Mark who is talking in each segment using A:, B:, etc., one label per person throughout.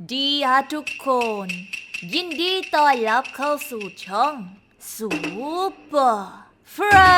A: ดีฮะทุกคนยินดีต้อนรับเข้าสู่ช่องซูเปอร์แฟ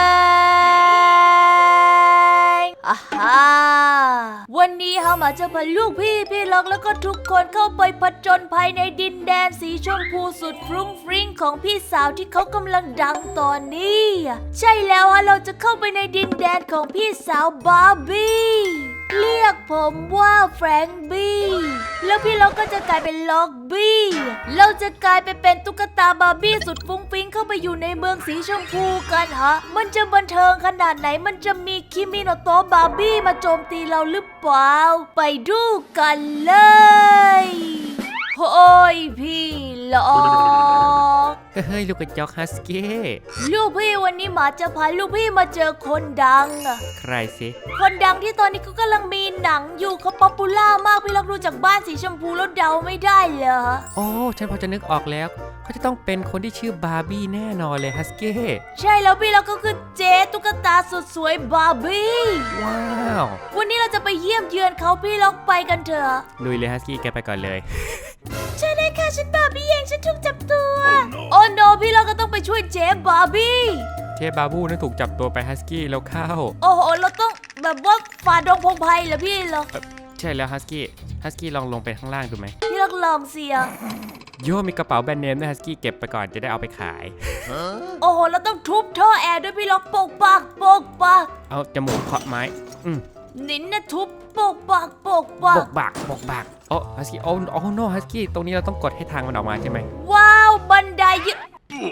A: รงค์วันนี้เฮามาจะพาลูกพี่ล็อกแล้วก็ทุกคนเข้าไปผจญภัยในดินแดนสีชมพูสุดฟรุ้งฟริ้งของพี่สาวที่เขากำลังดังตอนนี้ใช่แล้วฮะเราจะเข้าไปในดินแดนของพี่สาวบาร์บี้เรียกผมว่าแฟรงค์บี้แล้วพี่ล็อกก็จะกลายเป็นล็อกบี้เราจะกลายไปเป็นตุ๊กตาบาร์บี้สุดฟุ้งฟิ้งเข้าไปอยู่ในเมืองสีชมพูกันฮะมันจะบันเทิงขนาดไหนมันจะมีคิมิโนโตะบาร์บี้มาโจมตีเราหรือเปล่าไปดูกันเลยโอ้ยพี่ล็อก
B: เฮ้ยลูกกระจอกฮัสกี้
A: ลูกพี่วันนี้หมาจะพาลูกพี่มาเจอคนดังอะ
B: ใครสิ
A: คนดังที่ตอนนี้เขากำลังมีหนังอยู่เขาป๊อปปูล่ามากพี่ล็อกดูจากบ้านสีชมพูแล้วเดาไม่ได้เหรอ
B: โอ้ฉันพอจะนึกออกแล้วเขาจะต้องเป็นคนที่ชื่อบาร์บี้แน่นอนเลยฮัสกี้
A: ใช่แล้วพี่ล็อกก็คือเจ๊ตุ๊กตาสุดสวยบาร์บี้
B: ว้าว
A: วันนี้เราจะไปเยี่ยมเยือนเขาพี่ล็อกไปกันเถอะ
B: ลุยเลยฮัสกี้แกไปก่อนเลย
A: ใช่เลยค่ะฉันบาร์บี้เองฉันถูกจับตัวโอ้โนพี่ล็อกก็ต้องไปช่วยเจ๊บาร์บี้
B: เจ๊บาบูนั่นถูกจับตัวไปฮัสกี้แล้วเข้า
A: โอ้โหเราต้องแบบว่าฝ่าดงพงไพ่เหรอพี่ล็อก
B: ใช่แล้วฮัสกี้ลองลงไปข้างล่างดูไหม
A: พี่ล็อกลองเสีย
B: โย่มีกระเป๋าแบรนด์เนมด้วยฮัสกี้เก็บไปก่อนจะได้เอาไปขาย
A: โอ้โหเราต้องทุบท่อแอร์ด้วยพี่ล็อกปกปาก
B: เอาจมูกเคาะไม้
A: นินนะทุบปกปาก
B: โอ้ฮัสกี้โอ้โนฮัสกี้ตรงนี้เราต้องกดให้ทางมันออกมาใช่ไหม
A: ว้าวบันไดยึด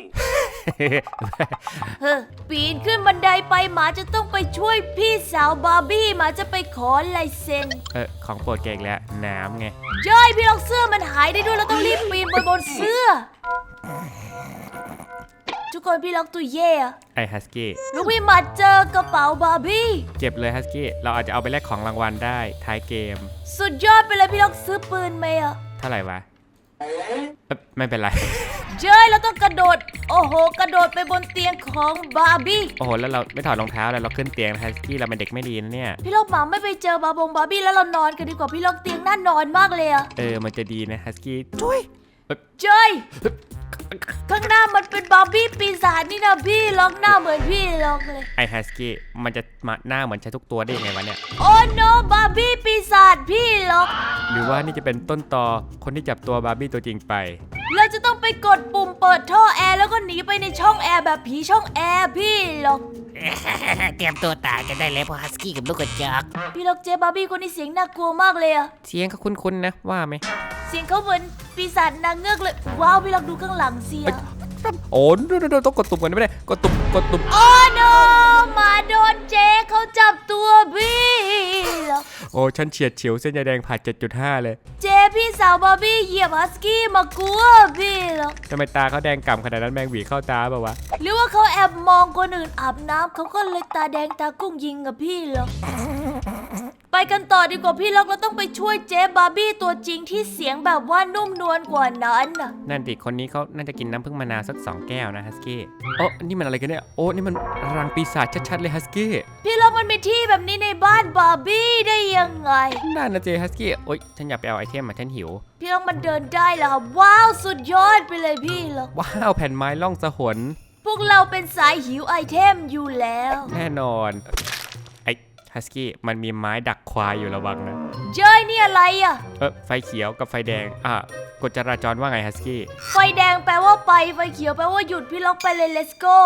A: ปีนขึ้นบันไดไปหมาจะต้องไปช่วยพี่สาวบาร์บี้หมาจะไปขอลายเซ็น
B: ของโปรดแกอีกแล้วน้ำไง
A: ย่อยพี่ล็อกเสื้อมันหายได้ด้วยเราต้องรีบปีนบนเสื้อทุกคนพี่ล็อกตัวเย่
B: ไอฮัสกี้
A: ลูกพี่มาเจอกระเป๋าบาร์บี้
B: เก็บเลยฮัสกี้เราอาจจะเอาไปแลกของรางวัลได้ท้ายเกม
A: สุดยอดไปเลยพี่ล็อกซื้อปืนไหม
B: เท่าไหร่วะไม่เป็นไร
A: เจ้ยเราต้องกระโดดโอ้โหกระโดดไปบนเตียงของบาร์บี้
B: โอ้โหแล้วเราไม่ถอดรองเท้าเลยเราขึ้นเตียงฮัสกี้เราเป็นเด็กไม่ดีนะเนี่ย
A: พี่ล็อกหมาไม่ไปเจอบาร์บี้แล้วเรานอนกันดีกว่าพี่ล็อกเตียงน่านอนมากเลย
B: มันจะดีนะฮัสกี้
A: ช่วยเจ้ยข้างหน้ามันเป็นบาร์บี้ปีศาจนี่นะพี่ล็อกหน้าเหมือนพี่ล็อกเลย
B: ไอฮัสกี้มันจะมาหน้าเหมือนใช้ทุกตัวได้ยังไงวะเนี่ย
A: โอ้โนบาร์บี้ปีศาจพี่ล็อก
B: หรือว่านี่จะเป็นต้นตอคนที่จับตัวบาร์บี้ตัวจริงไป
A: เราจะต้องไปกดปุ่มเปิดท่อแอร์แล้วก็หนีไปในช่องแอร์แบบผีช่องแอร์พี่ล็อก
C: เตรียมตัวตายกันได้แล้วเพราะฮัสกี้กับลูกกระจอก
A: พี่ล็อกเจบาร์บี้คนนี้เสียงน่ากลัวมากเลย
B: เสียงเขาคุ้นๆนะว่าไหม
A: เสียงเขาเหมือนปีศาจนางเงือกเลยว้าวพี่ล็อกดูข้างหลังเสีย
B: โอ้ต้องกดตุ่มกันไม่ได้กดตุ่ม
A: โอ้โนมาโดนเจ๊เขาจับตัวพี่ล็อก
B: โอ้ฉันเฉียดฉิวเส้นใยแดงผ่า 7.5 เลย
A: เจ๊พี่สาวบาร์บี้เหยียบฮัสกี้มากลัวพี่ล็อก
B: ทำไมตาเขาแดงก่ำขนาดนั้นแมงหวีเข้าตาป่าวะ
A: หรือว่าเขาแอบมองคนอื่นอาบน้ำเขาก็เลยตาแดงตากุ้งยิงกับพี่ล็อกไปกันต่อดีกว่าพี่ล็อกเราต้องไปช่วยเจ๊บาร์บี้ตัวจริงที่เสียงแบบว่านุ่มนวลกว่านั้น
B: นั่นดิคนนี้เขาน่าจะกินน้ำผึ้งมะนาวสัก2 แก้วนะฮัสกี้โอ้นี่มันอะไรกันเนี่ยโอ้นี่มันรังปีศาจชัดๆเลยฮัสกี้
A: พี่ล็อกมันมีที่แบบนี้ในบ้านบาร์บี้ได้ยังไง
B: นั่นนะเจฮัสกี้โอ๊ยฉันอยากไปเอาไอเทมมาฉันหิว
A: พี่ล็อกมันเดินได้แล้วครับว้าวสุดยอดไปเลยพี่ล็อก
B: ว้าวแผ่นไม้ล่องสะหน
A: พวกเราเป็นสายหิวไอเทมอยู่แล้ว
B: แน่นอนฮัสกี้มันมีไม้ดักควายอยู่ระวังนะ
A: เจ้ยนี่อะไร
B: ไฟเขียวกับไฟแดงกฎจราจรว่าไงฮัสกี้
A: ไฟแดงแปลว่าไปไฟเขียวแปลว่าหยุดพี่ล็อกไปเลย let's go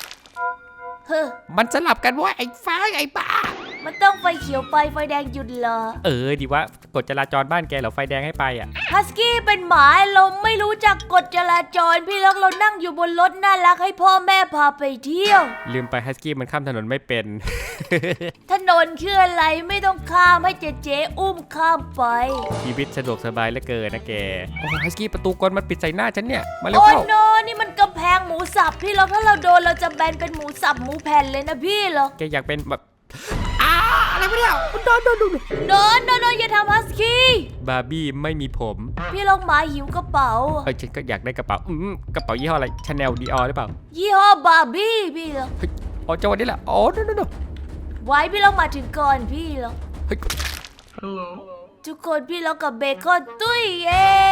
B: มันสลับกันว่าไอ้ฟ้าไอ้บ้า
A: มันต้องไฟเขียวไปไฟแดงหยุดเหรอ
B: ดีว่ากฎจราจรบ้านแกเหรอไฟแดงให้ไป
A: ฮัสกี้เป็นหมาเราไม่รู้จักกฎจราจรพี่ล็อกเรานั่งอยู่บนรถน่ารักให้พ่อแม่พาไปเที่ยว
B: ลืมไปฮัสกี้มันข้ามถนนไม่เป็น
A: ถนนคืออะไรไม่ต้องข้ามให้เจ๊อุ้มข้ามไป
B: ชีวิตสะดวกสบายเหลือเกินนะแกโอ้ฮัสกี้ประตูกลมันปิดใส่หน้าฉันเนี่ยมาเร็วเข้า
A: โอ้โนนี่มันกำแพงหมูสับพี่ล็อกถ้าเราโดนเราจะแบนเป็นหมูสับหมูแผ่นเลยนะพี่ล็อก
B: แกอยากเป็นแบบ
C: อะไรวะเนี่ย
A: โดนอย่าทำฮัสกี้
B: บาร์บี้ไม่มีผม
A: พี่ล็อกหมาหิวกระเป๋า
B: ฉันก็อยากได้กระเป๋ากระเป๋ายี่ห้ออะไรชาแนลดีออหรือเปล่า
A: ยี่ห้อบาร์บี้พี่ล็อก
B: จังหวะนี้แหละ
A: ไว้พี่ล็อกมาถึงก่อนพี่ล็อกทุกคนพี่ล็อกกับเบคอนตุ้ยเอง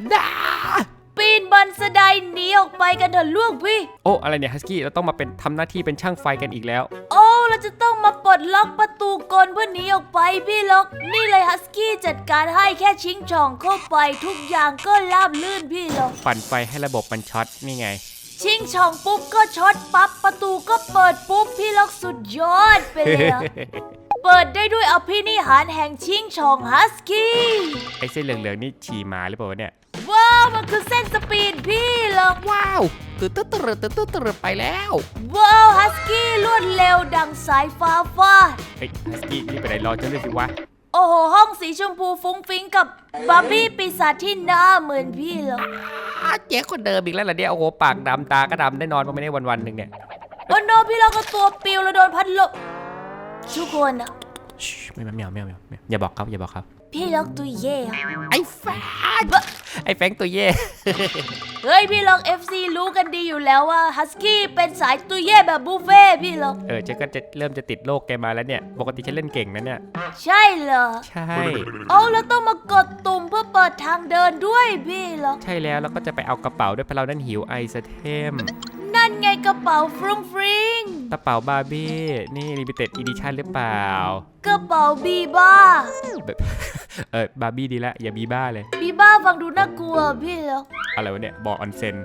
A: ปีนบันไดหนีออกไปกันเถอะลูกพี่
B: โอ้อะไรเนี่ยฮัสกี้เราต้องมาเป็นทำหน้าที่เป็นช่างไฟกันอีกแล้ว
A: โอ้เราจะต้องมาปลดล็อกประตูกลเพื่อหนีออกไปพี่ล็อกนี่เลยฮัสกี้จัดการให้แค่ชิงช่องเข้าไปทุกอย่างก็ราบลื่นพี่ล็อก
B: ปั่นไฟให้ระบบมันช็อตนี่ไง
A: ชิงช่องปุ๊บก็ช็อตปั๊บประตูก็เปิดปุ๊บพี่ล็อกสุดยอดไปเลยอะ เปิดได้ด้วยอภินิหารแห่งชิงช่องฮัสกี้
B: ไอ้เส้นเหลืองๆนี่ฉี่หมาหรือเปล่าวะเนี่ย
A: ว้าวมันคือเส้นสปีดพี่ล็อก
B: ว้าวตื่นไปแล้ว
A: ว้าวฮัสกี้รวดเร็วดังสายฟ้าฟาด
B: เฮ้ยฮัสกี้นี่ไปไหนรอฉันด้วยสิวะ
A: โอ้โหห้องสีชมพูฟุ้งฟิ้งกับบาร์บี้ปีศาจที่หน้าเหมือนพี่ล็อก
B: เจ๊คนเดิมอีกแล้วเหรอเนี่ยโอ้โหปากดำตาก็ดำได้นอนมาไม่ได้วันๆหนึ่งเนี่ย
A: โอ้โนพี่ล็อกก็ตัวปิวแล้วโดนพัดลมทุกคนอะ
B: ไม่อย่าบอกเขาอย่าบอกเขา
A: พี่ล็อกตัวเย่อะ
B: ไอ้แฟงตัวเย่
A: เฮ้ยพี่ล็อก FC รู้กันดีอยู่แล้วว่าฮัสกี้เป็นสายตัวเย่แบบบุฟเฟ่ต์พี่ล็อก
B: ฉันก็จะเริ่มจะติดโรคแกมาแล้วเนี่ยปกติฉันเล่นเก่งนะเนี่ย
A: ใช่เหรอ
B: ใช่
A: โอ้แล้วต้องมากดตุ่มเพื่อเปิดทางเดินด้วยพี่ล็อก
B: ใช่แล้วก็จะไปเอากระเป๋าด้วยเพราะเรานั้นหิวไอสเทม
A: นั่นไงกระเป๋าฟรุ้งฟริ้ง
B: กระเป๋าบาร์บี้นี่ลิมิเต็ดอีดิชั่นหรือเปล่าก
A: ระเป๋าบีบ้า
B: แบบ บาร์บี้ดีละอย่าบีบ้าเลย
A: บีบ้าฟังดูน่ากลัวพี่ล็อก
B: อะไรวะเนี่ยบ่อออนเซ็น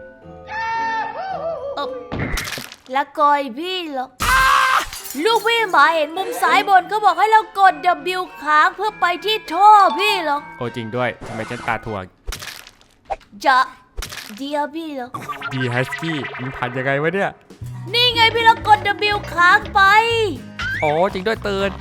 A: ละกอยพี่ล็อกลูกพี่หมาเห็นมุมซ้ายบนเขาบอกให้เรากด W ค้างเพื่อไปที่ท่อพี่ล็อก
B: โอ้จริงด้วยทำไมฉันตาถ่วง
A: จะเดียวพี่ล็อก
B: ดีฮัสกี้มันผ่านยังไงวะเนี่ย
A: นี่ไงพี่ล็อกกด W ค้างไป
B: โอ้จริงด้วยเตือน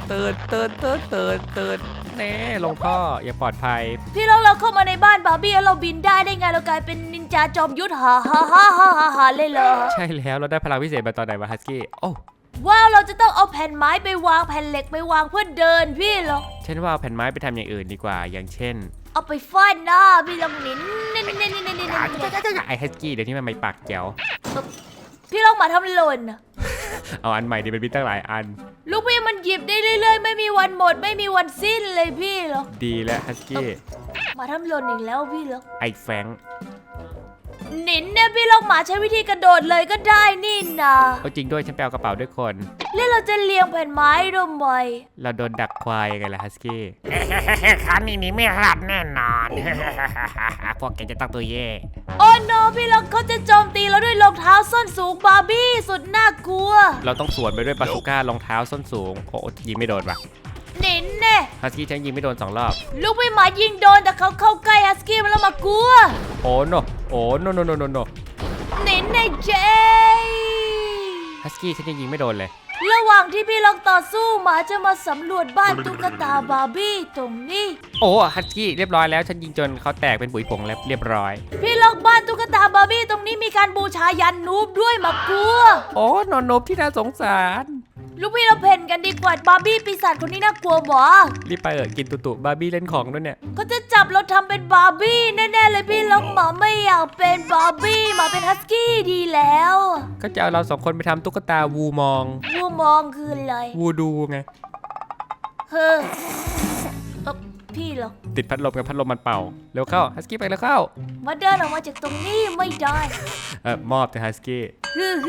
B: แน่ลงท่ออย่าปลอดภัย
A: พี่ล็อกเราเข้ามาในบ้านบาร์บี้แล้วเราบินได้ไงเรากลายเป็นนินจาจอมยุทธฮ่าเลยเหรอ
B: ใช่แล้วเราได้พลังพิเศษมาตอนไหนวะฮัสกี้โอ้
A: ว้าวเราจะต้องเอาแผ่นไม้ไปวางแผ่นเหล็กไปวางเพื่อเดินพี่ล็อก
B: ฉันว่าเอาแผ่นไม้ไปทำอย่างอื่นดีกว่าอย่างเช่น
A: เอาไปฟาดหน้าพี่ล็อกนิน
B: ไอฮัสกี้เดี๋ยวนี้มันไม่ปากแจ๋ว
A: พี่ล็อกมาทำหล่น
B: เอาอันใหม่ดิมันมีตั้งหลายอัน
A: ลูกพี่มันหยิบได้เรื่อยๆไม่มีวันหมดไม่มีวันสิ้นเลยพี่ล็อก
B: ดีแล้วฮัสกี้
A: มาทำหล่นอีกแล้วพี่ล็อก
B: ไอแฟง
A: หนินเนี่ยพี่ล็อกหมาใช้วิธีกระโดดเลยก็ได้นี่นา
B: เอาจริงด้วยฉันไปเอากระเป๋าด้วยคน
A: แล้วเราจะเลียงแผ่นไม้ทำไม
B: เราโดนดักควายยังไงล่ะฮัสกี้
C: ครั้งนี้ไม่รอดแน่นอน พวกแกจะต้องตัวเย่
A: โอ้โนพี่ล็อกเขาจะโจมตีเราด้วยรองเท้าส้นสูงบาร์บี้สุดน่ากลัว
B: เราต้องสวนไปด้วยบาซูก้ารองเท้าส้นสูงโอ้ยิงไม่โดนว่ะ
A: หนินแน่
B: ฮัสกี้ฉันยิงไม่โดน2 รอบ
A: ลูกพี่หมายิงโดนแต่เขาเข้าใกล้ฮัสกี้มันแล้วมากลัว
B: โอ้โนโน
A: หนินในเจ
B: ฮัสกี้ฉันยังยิงไม่โดนเลย
A: ระหว่างที่พี่ล็อกต่อสู้หมาจะมาสำรวจบ้านตุ๊กตาบาร์บี้ตรงนี้
B: โอ้ฮัสกี้เรียบร้อยแล้วฉันยิงจนเขาแตกเป็นปุ๋ยผงแล้วเรียบร้อย
A: พี่ล็อกบ้านตุ๊กตาบาร์บี้ตรงนี้มีการบูชายันนูบด้วยมากลัว
B: โอ้นอนนบที่น่าสงสาร
A: ลูกพี่เราเพ่นกันดีกว่าบาร์บี้ปีศาจคนนี้น่ากลัวบ่
B: รีบไปกินตุบาร์บี้เล่นของด้วยเนี่ย
A: เขาจะจับเราทำเป็นบาร์บี้แน่ๆเลยพี่ล็อกหมาไม่อยากเป็นบาร์บี้หมาเป็นฮัสกี้ดีแล้ว
B: ก็จะเอาเรา2 คนไปทำตุ๊กตาวูมอง
A: วูมองคืออะไร
B: วูดูไง
A: เฮ้อพี่ล็อก
B: ติดพัดลมกับพัดลมมันเป่าเร็วเข้าฮัสกี้ไปแล้วเข้า
A: มาเดินออกมาจากตรงนี้ไม่ได้
B: มอบแต่ฮัสกี้
A: ฮือ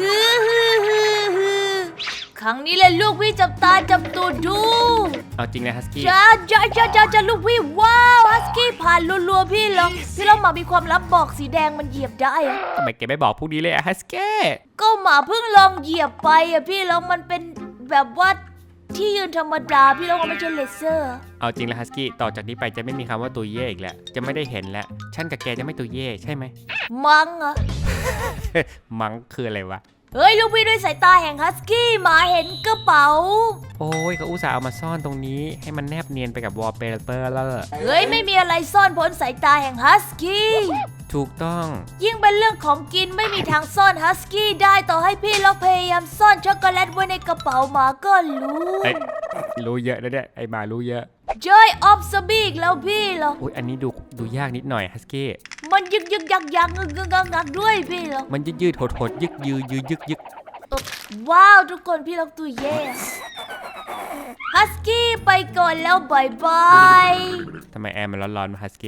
A: ครั้งนี้เลยลูกพี่จับตาจับตูดดู
B: เอาจริงนะฮัสกี้
A: จ้าลูกพี่ว้าวฮัสกี้ผ่านรัวๆพี่ล็อกหมามีความลับบอกสีแดงมันเหยียบได้อะ
B: ทำไมแกไม่บอกพวกนี้เลยฮัสกี้
A: ก็หมาเพิ่งลองเหยียบไปอะพี่ล็อกมันเป็นแบบว่าที่ยืนธรรมดาพี่ล็อกมันไม่ใช่เลเซอร์
B: เอาจริงแล้วฮัสกี้ต่อจากนี้ไปจะไม่มีคำว่าตัวเย่อีกแล้วจะไม่ได้เห็นแล้วฉันกับแกจะไม่ตัวเย่ใช่ไหม
A: มั้งอะ
B: มังคืออะไรวะ
A: เฮ้ยลูกพี่ด้วยสายตาแห่งฮัสกี้หมาเห็นกระเป๋า
B: โอ้ยเขาอุตส่าห์เอามาซ่อนตรงนี้ให้มันแนบเนียนไปกับวอลเปเปอร์แล้ว
A: เฮ้ยไม่มีอะไรซ่อนพ้นสายตาแห่งฮัสกี้
B: ถูกต้อง
A: ยิ่งเป็นเรื่องของกินไม่มีทางซ่อนฮัสกี้ได้ต่อให้พี่ล็อกพยายามซ่อนช็อกโกแลตไว้ในกระเป๋าหมาก็รู้
B: เอ้ยรู้เยอะนะเนี่ยไอหมารู้เยอะ
A: Joy of s b อีกแล้วพี่ล็อก
B: อุ้ยอันนี้ดูยากนิดหน่อยฮัสกี้
A: มันยักงักด้วยพี่ล็อก
B: มันยืดหดยึกยึก
A: ว้าวทุกคนพี่ล็อกตัวเย่ฮัสกี้ไปก่อนแล้วบายบาย
B: ทำไมแอร์มันร้อนๆมาฮัสกี้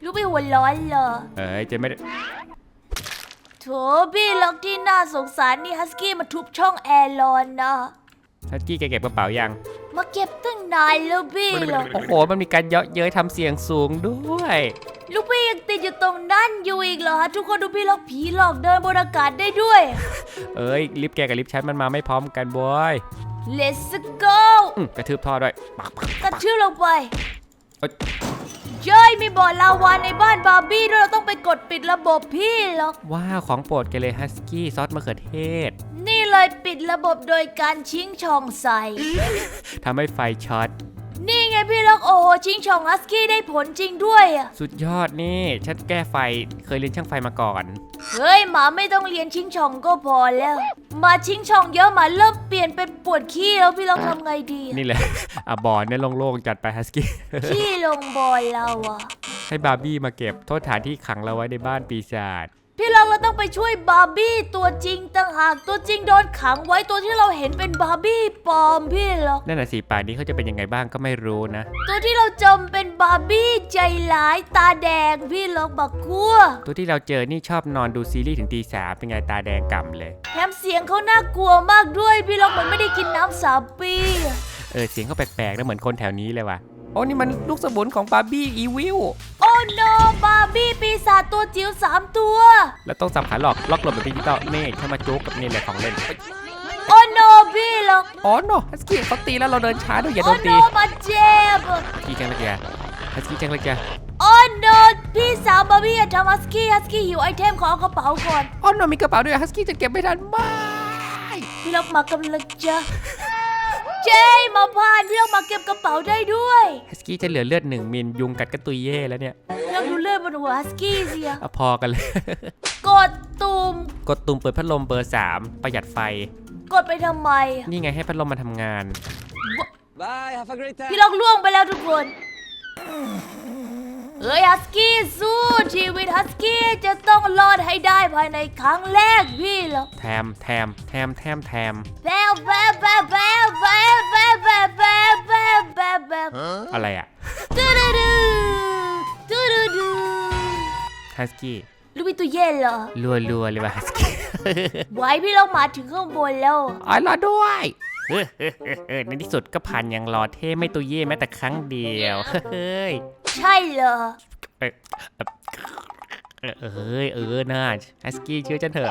A: ลูกพี่หัวร้อนเหรอ
B: เจะไม่ได้
A: โถพี่ล็อกที่น่าสงสารนี่ฮัสกี้มาทุบช่องแอร์ร้อนนะ
B: ฮัสกี้แกเก็บกระเป๋ายัง
A: มาเก็บตั้งนานแล้วพี่ล็อก
B: โอ้โหมันมีการเยาะเย้ยทำเสียงสูงด้วย
A: ลูกพี่ยังติดอยู่ตรงนั้นอยู่อีกเหรอฮะทุกคนดูพี่ล็อกผีหลอกเดินบนอากาศได้ด้วย
B: ลิฟต์แกกับลิฟต์ฉันมันมาไม่พร้อมกันบอย
A: Let's go
B: กระทืบท่อด้วยปัก
A: กระชื่อลงไป
B: เอ้ย
A: เย้ยมีบ่อลาวาในบ้านบาร์บี้ด้วยเราต้องไปกดปิดระบบพี่ล็อก
B: ว้าวของโปรดแกเลยฮัสกี้ซอสมะเขือเทศ
A: นี่เลยปิดระบบโดยการชิงช่องใส่
B: ทำให้ไฟช็อต
A: นี่ไงพี่ล็อกโอ้โหชิงช่องฮัสกี้ได้ผลจริงด้วยอะ
B: สุดยอดนี่ฉันแก้ไฟเคยเรียนช่างไฟมาก่อน
A: เฮ้ยหมาไม่ต้องเรียนชิงช่องก็พอแล้วหมาชิงช่องเยอะหมาเริ่มเปลี่ยนเป็นปวดขี้แล้วพี่ล็อกทำไงดีอะ
B: นี่แหละ บอลเนี่ยโล่งๆจัดไปฮัสกี้
A: ขี้ลงบอยเราอะ
B: ให้บาร์บี้มาเก็บโทษฐานที่ขังเราไว้ในบ้านปีศาจ
A: พี่ล็อกเราต้องไปช่วยบาร์บี้ตัวจริงต่างหากตัวจริงโดนขังไว้ตัวที่เราเห็นเป็นบาร์บี้ปลอมพี่ล็อก
B: นั่นน่ะสิป่านนี้เขาจะเป็นยังไงบ้างก็ไม่รู้นะ
A: ตัวที่เราจำเป็นบาร์บี้ใจร้ายตาแดงพี่ล็อกบักกัว
B: ตัวที่เราเจอนี่ชอบนอนดูซีรีส์ถึงตี 3เป็นไงตาแดงก่ำเลย
A: แถมเสียงเขาน่ากลัวมากด้วยพี่ล็อกเหมือนไม่ได้กินน้ำ3 ปี
B: เสียงเขาแปลกๆนะเหมือนคนแถวนี้เลยว่ะโอ้นี่มันลูกสมุนของบาร์บี้อีวิล
A: โอ้โนบาร์บี้ปีศาจตัวจิ๋ว3 ตัว
B: แล้วต้องสับขาหลอกล็อกหลบแบบดิจิตอลนี่เข้ามาจุกกับนี่แหละของเล่น
A: โอ้โนพี่ล็อก
B: อ๋อโนฮัสกี้เขาตีแล้วเราเดินช้าด้วยอย่าโด
A: โอ้
B: น
A: โน
B: ตี
A: มาเจ็บ
B: กี้จังเลยแกฮัสกี้จังเลยแก
A: โอ้โนพี่สาวบาร์บี้อย่าทำฮัสกี้หิวไอเทมขอเอากระเป๋าก่อน
B: อ๋อโนมีกระเป๋าด้วยฮัสกี้จะเก็บไม่ทันไม่
A: พี่ล็อกมากำลังจะเจ้มาพานพี่ล็อกมาเก็บกระเป๋าได้ด้วย
B: ฮัสกี้จะเหลือเลือด1 มิลยุงกัดกระตุยเย่แล้วเนี่ย
A: พี่ล็อกดูเลือดบนหัวฮัสกี้สิอะ
B: พอกันเลย
A: กดตุ่ม
B: กดตุ่มเปิดพัดลมเบอร์ 3 ประหยัดไฟ
A: กดไปทำไมอะ
B: นี่ไงให้พัดลมมาทำงาน
D: Bye, have a great time.
A: พี่ล็อกล่วงไปแล้วทุกคนเฮ้ยฮัสกี้สู้ชีวิตฮัสกี้จะต้องรอดให้ได้ภายในครั้งแรกพี่ล็อก
B: แถม
A: แววแววแววแววแววแววแววแววแววแววแววแววแววแวว
B: อะไรอ่ะ
A: ดูดูดูดูดูดู
B: ฮัสกี้
A: ลูกพี่ตัวเย็นเหรอ
B: รัวๆเลยว่ะฮัสกี้
A: ไหวพี่ล็อกมาถึงข้างบนแล้ว
B: อ๋อรอด้วยในที่สุดก็ผ่านอย่างรอเท่ไม่ตัวเย่แม้แต่ครั้งเดียวเฮ้ย
A: ใช่เหรอ
B: น่าฮัสกี้เชื่อฉันเถอะ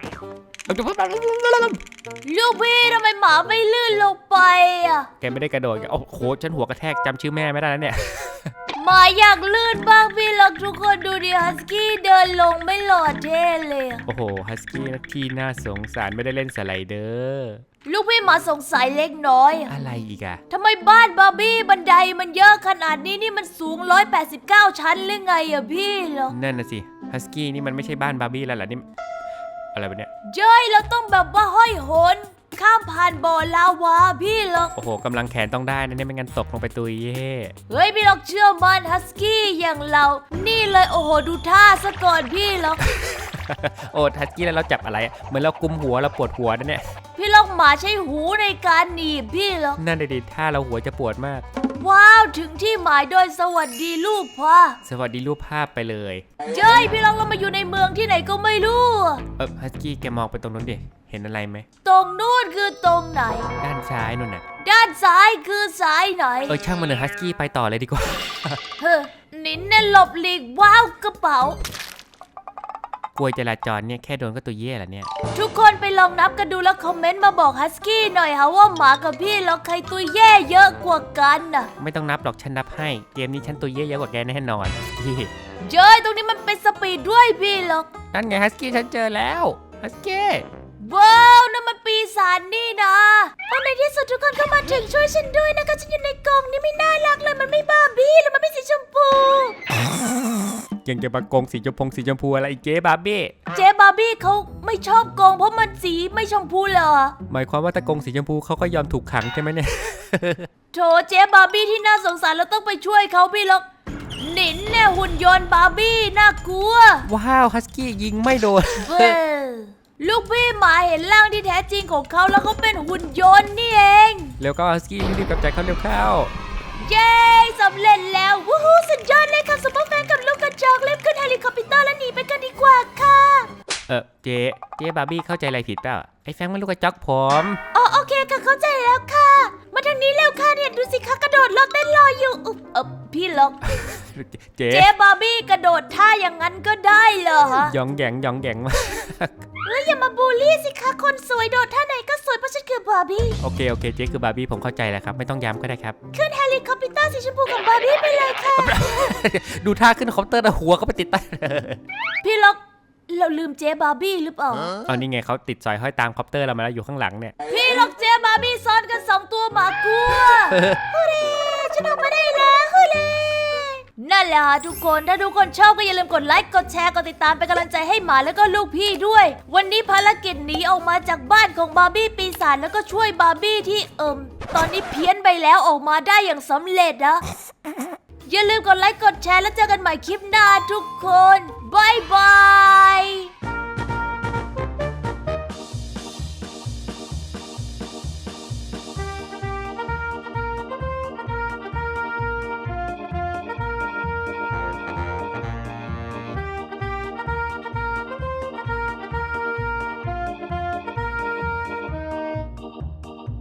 A: ลูกพี่ทำไมหมาไม่ลื่นลงไปอ่ะ
B: แกไม่ได้กระโดดโอ้โหฉันหัวกระแทกจำชื่อแม่ไม่ได้แล้วเนี่ย
A: หมาอยากลื่นบ้างพี่ล็อกทุกคนดูดิฮัสกี้เดินลงไม่หล่อเท่เลยอะ
B: โอ้โหฮัสกี้ที่น่าสงสารไม่ได้เล่นสไลเดอร์
A: ลูกพี่หมาสงสัยเล็กน้อยอะ
B: อะไรอีกอะ
A: ทำไมบ้านบาร์บี้บันไดมันเยอะขนาดนี้นี่มันสูง189 ชั้นหรือไงอะพี่ล็อก
B: นั่นน่ะสิฮัสกี้นี่มันไม่ใช่บ้านบาร์บี้แล้วเหรอนี่อะไรวะเนี่ย
A: เจ้ยเราต้องแบบว่าห้อยโหนข้ามผ่านบ่อลาวาพี่ล็อก
B: โอ้โหกำลังแขนต้องได้นะเนี่ยไม่งั้นตกลงไปตุยเย่
A: เฮ้ยพี่ล็อกเชื่อมันฮัสกี้อย่างเรา นี่เลยโอ้โหดูท่าซะก่อนพี่ล็อก
B: โอ้ฮัสกี้แล้วเราจับอะไรเหมือนเรากุมหัวเราปวดหัวนะเนี่ย
A: พี่ล็อกหมาใช้หูในการหนีบพี่ล็อก
B: นั่นดิถ้าเราหัวจะปวดมาก
A: ว้าวถึงที่หมายโดยสวัสดีลูกพ่อ
B: สวัสดีรูปภาพไปเลย
A: เจ้ยพี่ล็อกเรามาอยู่ในเมืองที่ไหนก็ไม่รู้อะ
B: ฮัสกี้แกมองไปตรงนู้นดิเห็นอะไรไหม
A: ตรงนู้นคือตรงไหน
B: ด้านซ้ายนู่นน่ะ
A: ด้านซ้ายคือซ้ายไหน
B: ช่างมันเลยฮัสกี้ไปต่อเลยดีกว่า
A: เฮ้อนินเนี่ยหลบหลีกว้าวกระเป๋า
B: กลัวจราจรเนี่ยแค่โดนก็ตัวเย่ละเนี่ย
A: ทุกคนไปลองนับกันดูแล้วคอมเมนต์มาบอกฮัสกี้หน่อยค่ะว่าหมากับพี่ล็อกใครตัวแย่เยอะกว่ากันน่ะ
B: ไม่ต้องนับหรอกฉันนับให้เกมนี้ฉันตัวเย่เยอะกว่าแกแน่นอนฮัสกี้
A: เจ้ยตรงนี้มันเป็นสปีดด้วยพี่ล็อก
B: นั่นไงฮัสกี้ฉันเจอแล้วฮัสกี้
A: ว้าวนั่นมันปีศาจนี่นะในที่สุดทุกคนเข้ามาถึงช่วยฉันด้วยนะคะฉันอยู่ในกล่องนี่ไม่น่ารักเลยมันไม่บาร์บี้แล้วมันไม่สีชมพู
B: ยังจะมากงสีชมพูอะไรอีกเจ๊บาร์บี้
A: เจ๊บาร์บี้เขาไม่ชอบกองเพราะมันสีไม่ชมพูเหรอ
B: หมายความว่าถ้ากงสีชมพูเขาก็ยอมถูกขังใช่ไหมเนี่ย
A: โถเจ๊บาร์บี้ที่น่าสงสารเราต้องไปช่วยเขาพี่ล็อกหนินเนี่ยหุ่นยนต์บาร์บี้น่ากลัว
B: ว้าวฮัสกี้ยิงไม่โดน
A: เว้ยลูกพี่หมาเห็นร่างที่แท้จริงของเขาแล้วเขาเป็นหุ่นยนต์นี่เอง
B: แล้วก็ฮัสกี้รีบกลับใจเขาเร็วเข้า
A: เย้สำเร็จแล้ววู้ฮู้สุดยอดเลยค่ะซุปเปอร์แฟนกับลูกกระระจอกเล็บขึ้นเฮลิคอปเตอร์แล้วหนีไปกันดีกว่าค่ะ
B: เจ๊บาร์บี้เข้าใจอะไรผิดเปล่าไอ้แฟรงค์มันลูกกระจอกผม
A: อ๋อโอเคค่ะเข้าใจแล้วค่ะ มาทางนี้เร็วค่ะเนี่ยดูสิคะกระโดดรถเต้นรออยู่พี่ล็อก
B: เจ๊
A: เจ๊บาร์บี้กระโดดท่าอย่างนั้นก็ได้เหรอฮะ
B: ยองแยงมาก
A: แล้วอย่ามาบูลลี่สิคะคนสวยโดดท่าไหนก็สวยเพราะฉันคือบาร์บี้
B: โอเคเจ๊คือบาร์บี้ผมเข้าใจแล้วครับไม่ต้องย้ำก็ได้ครับ
A: ขึ้นเฮลิคอปเตอร์สีชมพูของบาร์บี้ไปเลยค่ะ
B: ดูท่าขึ้นคอปเตอร์นะหัวก็ไปติดใต้
A: พี่ล็อกเราลืมเจ๊บาร์บี้หรือเปล่า
B: เอานี่ไงเขาติดสอยห้อยตามคอปเตอร์เรามาแล้วอยู่ข้างหลังเนี่ย
A: พี่ล็อกเจ๊บาร์บี้ซ้อนกัน2ตัวหมากลัวฮูเร่ฉันออกมาได้แล้วฮูเร่นั่นแหละทุกคนถ้าทุกคนชอบก็อย่าลืมกดไลค์กดแชร์กดติดตามเป็นกำลังใจให้หมาแล้วก็ลูกพี่ด้วย วันนี้ภารกิจหนีออกมาจากบ้านของบาร์บี้ปีศาจแล้วก็ช่วยบาร์บี้ที่ตอนนี้เพี้ยนไปแล้วออกมาได้อย่างสำเร็จนะอย่าลืมกดไลค์กดแชร์แล้วเจอกันใหม่คลิปหน้าทุกคนบายบาย